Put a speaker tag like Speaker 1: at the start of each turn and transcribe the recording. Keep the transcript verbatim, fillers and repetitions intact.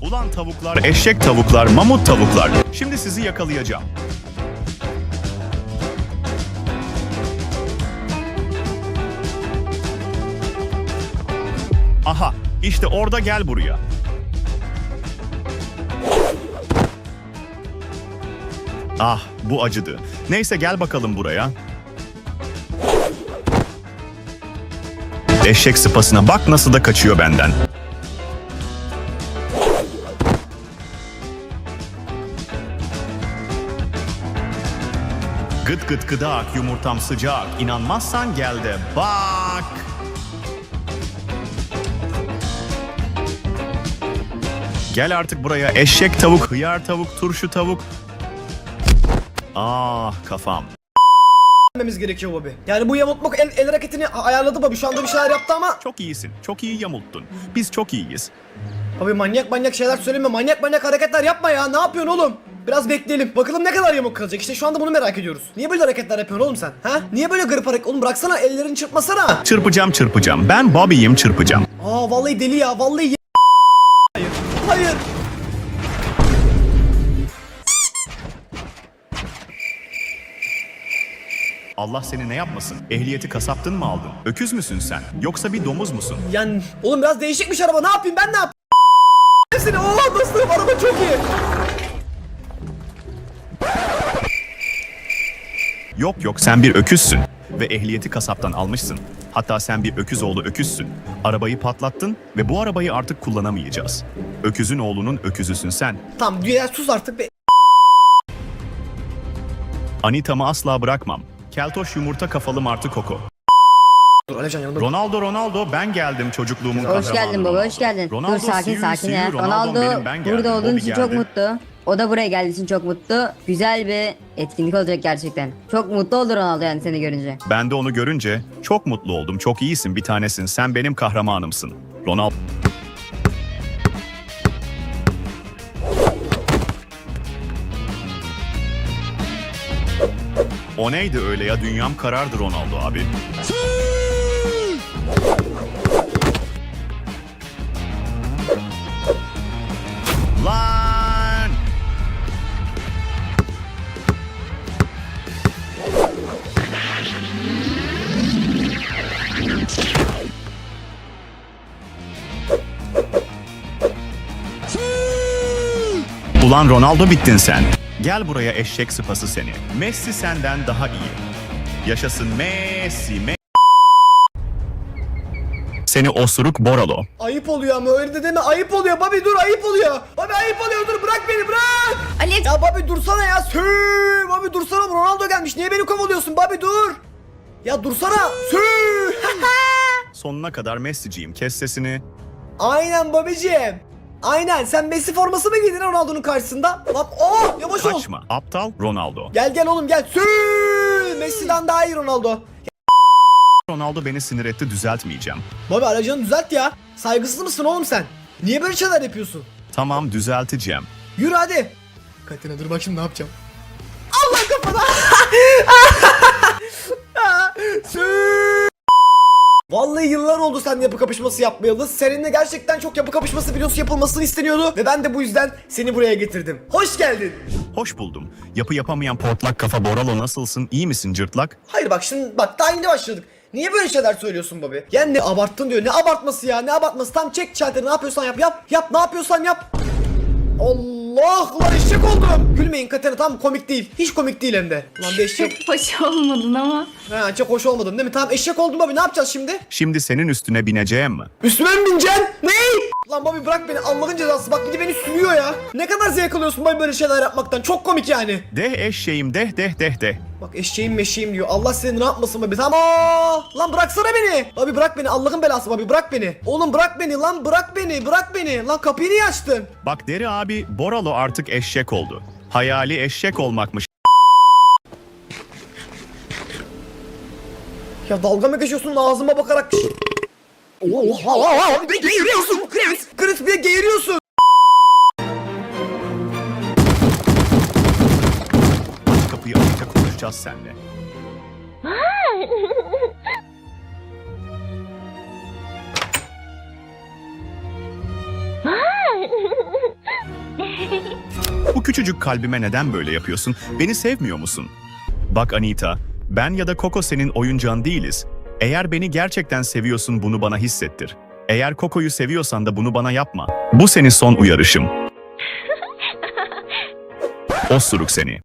Speaker 1: Ulan tavuklar, eşek tavuklar, mamut tavuklar. Şimdi sizi yakalayacağım. Aha, işte orada, gel buraya. Ah, bu acıdı. Neyse, gel bakalım buraya. Eşek sıpasına bak, nasıl da kaçıyor benden. Gıt gıt gıdak, yumurtam sıcak. İnanmazsan gel de bak. Gel artık buraya, eşek tavuk, hıyar tavuk, turşu tavuk. Ah, kafam.
Speaker 2: Vermemiz gerekiyor Bobby. Yani bu yamultmak el, el hareketini ayarladı Bobby. Şu anda bir şeyler yaptı ama.
Speaker 1: Çok iyisin, çok iyi yamulttun. Biz çok iyiyiz.
Speaker 2: Bobby manyak manyak şeyler söyleme. Manyak manyak hareketler yapma ya. Ne yapıyorsun oğlum? Biraz bekleyelim. Bakalım ne kadar yamuk kalacak. İşte şu anda bunu merak ediyoruz. Niye böyle hareketler yapıyorsun oğlum sen? Ha? Niye böyle garip hareket? Oğlum bıraksana, ellerini çırpmasana.
Speaker 1: Çırpacağım çırpacağım. Ben Bobby'yim, çırpacağım.
Speaker 2: Aa vallahi deli ya. Vallahi ye- Hayır. Hayır.
Speaker 1: Allah seni ne yapmasın? Ehliyeti kasaptın mı aldın? Öküz müsün sen? Yoksa bir domuz musun?
Speaker 2: Yani oğlum biraz değişikmiş araba. Ne yapayım ben, ne yapayım? Seni. Oo dostum, araba çok iyi.
Speaker 1: Yok yok, sen bir öküzsün. Ve ehliyeti kasaptan almışsın. Hatta sen bir öküz oğlu öküzsün. Arabayı patlattın ve bu arabayı artık kullanamayacağız. Öküzün oğlunun öküzüsün sen.
Speaker 2: Tamam dünya, sus artık be.
Speaker 1: Anita'mı asla bırakmam. Keltoş yumurta kafalı martı Koko.
Speaker 2: Dur Alevcan yanımda.
Speaker 1: Ronaldo Ronaldo, ben geldim çocukluğumun kahramanı.
Speaker 3: Hoş geldin baba, hoş geldin.
Speaker 1: Ronaldo,
Speaker 3: Dur sakin
Speaker 1: see you,
Speaker 3: sakin
Speaker 1: see
Speaker 3: ya.
Speaker 1: you.
Speaker 3: Ronaldo
Speaker 1: benim, ben geldim.
Speaker 3: burada olduğun
Speaker 1: Bobby
Speaker 3: için çok
Speaker 1: geldi.
Speaker 3: mutlu. O da buraya geldiği için çok mutlu. Güzel bir etkinlik olacak gerçekten. Çok mutlu oldu Ronaldo yani seni görünce.
Speaker 1: Ben de onu görünce çok mutlu oldum. Çok iyisin, bir tanesin. Sen benim kahramanımsın. Ronaldo. O neydi öyle ya? Dünyam karardı Ronaldo abi. Lan! Ulan Ronaldo, bittin sen. Gel buraya eşek sıpası seni. Messi senden daha iyi. Yaşasın Messi, Me Seni osuruk Boralo.
Speaker 2: Ayıp oluyor ama, öyle de deme, ayıp oluyor Bobby, dur, ayıp oluyor. Bobby ayıp oluyor, dur, bırak beni, bırak.
Speaker 3: Ali
Speaker 2: Ya Bobby dursana ya. Sü Bobby dursana, Ronaldo gelmiş, niye beni kovalıyorsun Bobby, dur. Ya dursana. Sü
Speaker 1: Sonuna kadar Messi'ciyim, kes sesini.
Speaker 2: Aynen Bobby'ciğim. Aynen, sen Messi forması mı giydin Ronaldo'nun karşısında? Lan oh, yavaş ol.
Speaker 1: Kaçma aptal Ronaldo.
Speaker 2: Gel gel oğlum gel. Sü Messi'den daha iyi Ronaldo.
Speaker 1: Ronaldo beni sinir etti, düzeltmeyeceğim.
Speaker 2: Bobby aracını düzelt ya. Saygısız mısın oğlum sen? Niye böyle şeyler yapıyorsun?
Speaker 1: Tamam, düzelteceğim.
Speaker 2: Yürü hadi. Katina dur bak şimdi ne yapacağım. Allah kafana. Sü- Vallahi yıllar oldu seninle yapı kapışması yapmayalı. Seninle gerçekten çok yapı kapışması videosu yapılmasını isteniyordu. Ve ben de bu yüzden seni buraya getirdim. Hoş geldin.
Speaker 1: Hoş buldum. Yapı yapamayan portlak kafa Boralo, nasılsın? İyi misin cırtlak?
Speaker 2: Hayır bak şimdi bak, daha yeni başladık. Niye böyle şeyler söylüyorsun Bobby? Yani ne abarttın diyor. Ne abartması ya, ne abartması? Tam çek çantayı, ne yapıyorsan yap yap. Yap, ne yapıyorsan yap. Allah lan, eşek oldum. Gülmeyin Katerina, tam komik değil. Hiç komik değil hem de. Lan bir eşek.
Speaker 4: Hoş olmadın ama.
Speaker 2: Ha, çok hoş olmadım değil mi? Tamam eşek oldum Bobby, ne yapacağız şimdi?
Speaker 1: Şimdi senin üstüne bineceğim mi?
Speaker 2: Üstüme mi bineceksin? Ne? Lan Bobby bırak beni, Allah'ın cezası, bak bir de beni sürüyor ya. Ne kadar zevk alıyorsun Bobby böyle şeyler yapmaktan, çok komik yani.
Speaker 1: Deh eşeğim, deh deh deh deh.
Speaker 2: Bak eşeğim meşeğim diyor, Allah seni ne yapmasın Bobby, tamam. Aa, lan bıraksana beni. Bobby bırak beni, Allah'ın belası Bobby, bırak beni. Oğlum bırak beni lan, bırak beni, bırak beni. Lan kapıyı niye açtın?
Speaker 1: Bak Deri abi, Boralo artık eşek oldu. Hayali eşek olmakmış.
Speaker 2: Ya dalga mı geçiyorsun ağzıma bakarak? Oha, bir de geğiriyorsun Chris. Chris bir de geğiriyorsun.
Speaker 1: Aç kapıyı, açıkça konuşacağız seninle. Bu küçücük kalbime neden böyle yapıyorsun? Beni sevmiyor musun? Bak Anita, ben ya da Coco senin oyuncağın değiliz. Eğer beni gerçekten seviyorsun bunu bana hissettir. Eğer Coco'yu seviyorsan da bunu bana yapma. Bu senin son uyarışım. Osuruk seni.